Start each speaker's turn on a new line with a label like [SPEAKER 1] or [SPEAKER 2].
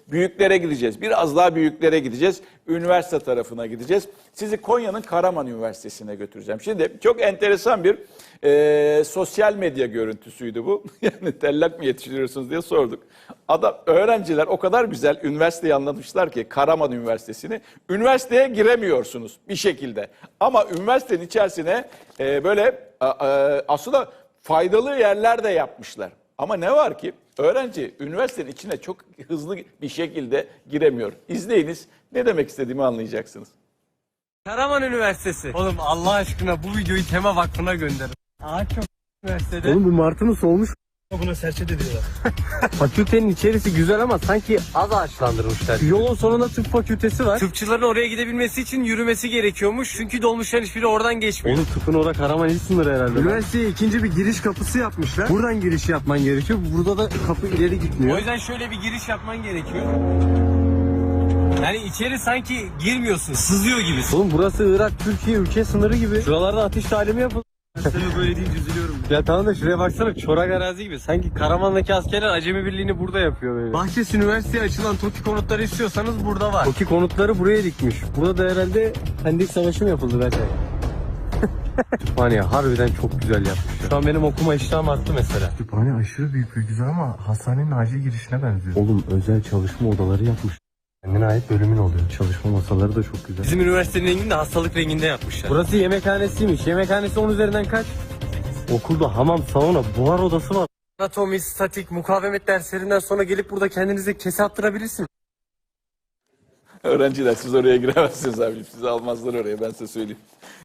[SPEAKER 1] büyüklere gideceğiz. Biraz daha büyüklere gideceğiz. Üniversite tarafına gideceğiz. Sizi Konya'nın Karaman Üniversitesi'ne götüreceğim. Şimdi çok enteresan bir sosyal medya görüntüsüydü bu. Yani tellak mı yetiştiriyorsunuz diye sorduk. Öğrenciler o kadar güzel üniversiteyi anlatmışlar ki, Karaman Üniversitesi'ni. Üniversiteye giremiyorsunuz bir şekilde. Ama üniversitenin içerisine aslında faydalı yerler de yapmışlar. Ama ne var ki öğrenci üniversitenin içine çok hızlı bir şekilde giremiyor. İzleyiniz, ne demek istediğimi anlayacaksınız.
[SPEAKER 2] Karaman Üniversitesi. Oğlum Allah aşkına bu videoyu Tema Vakfı'na gönderin. Ağaç çok üniversitede.
[SPEAKER 3] Oğlum bu martının solmuş.
[SPEAKER 2] Buna serçe de diyorlar.
[SPEAKER 3] Fakültenin içerisi güzel ama sanki az ağaçlandırmışlar. Yolun sonunda tıp fakültesi var.
[SPEAKER 2] Tıpçıların oraya gidebilmesi için yürümesi gerekiyormuş. Çünkü dolmuşların hiçbiri oradan geçmiyor.
[SPEAKER 3] Oğlum tıpın orada Karaman il sınırı herhalde. Üniversiteye ikinci bir giriş kapısı yapmışlar. Buradan giriş yapman gerekiyor. Burada da kapı ileri gitmiyor.
[SPEAKER 2] O yüzden şöyle bir giriş yapman gerekiyor. Yani içeri sanki girmiyorsun, sızıyor gibisin.
[SPEAKER 3] Oğlum burası Irak, Türkiye ülke sınırı gibi. Şuralarda atış talimi yapıldı.
[SPEAKER 2] Sana böyle deyince üzülüyorum.
[SPEAKER 3] Ya tamam da şuraya baksana, çorak arazi gibi. Sanki Karaman'daki askerler acemi birliğini burada yapıyor böyle.
[SPEAKER 2] Bahçesi Üniversitesi'ye açılan TOKİ konutları istiyorsanız burada var.
[SPEAKER 3] TOKİ konutları buraya dikmiş. Burada da herhalde Pendik Savaşı mı yapıldı belki? Kütüphane harbiden çok güzel yapmış. Şu an benim okuma iştahım arttı mesela.
[SPEAKER 4] Kütüphane aşırı büyük ve güzel ama hastanenin acil girişine benziyor.
[SPEAKER 3] Oğlum özel çalışma odaları yapmış. Kendine ait bölümün oluyor. Çalışma masaları da çok güzel.
[SPEAKER 2] Bizim üniversitenin rengini de hastalık renginde yapmışlar.
[SPEAKER 3] Burası yemekhanesiymiş. Yemekhanesi 10 üzerinden kaç? Okulda hamam, sauna, buhar odası var.
[SPEAKER 2] Anatomi, statik, mukavemet derslerinden sonra gelip burada kendinize kese attırabilirsiniz.
[SPEAKER 1] Öğrenciler, siz oraya giremezsiniz abicim. Sizi almazlar oraya, ben size söyleyeyim.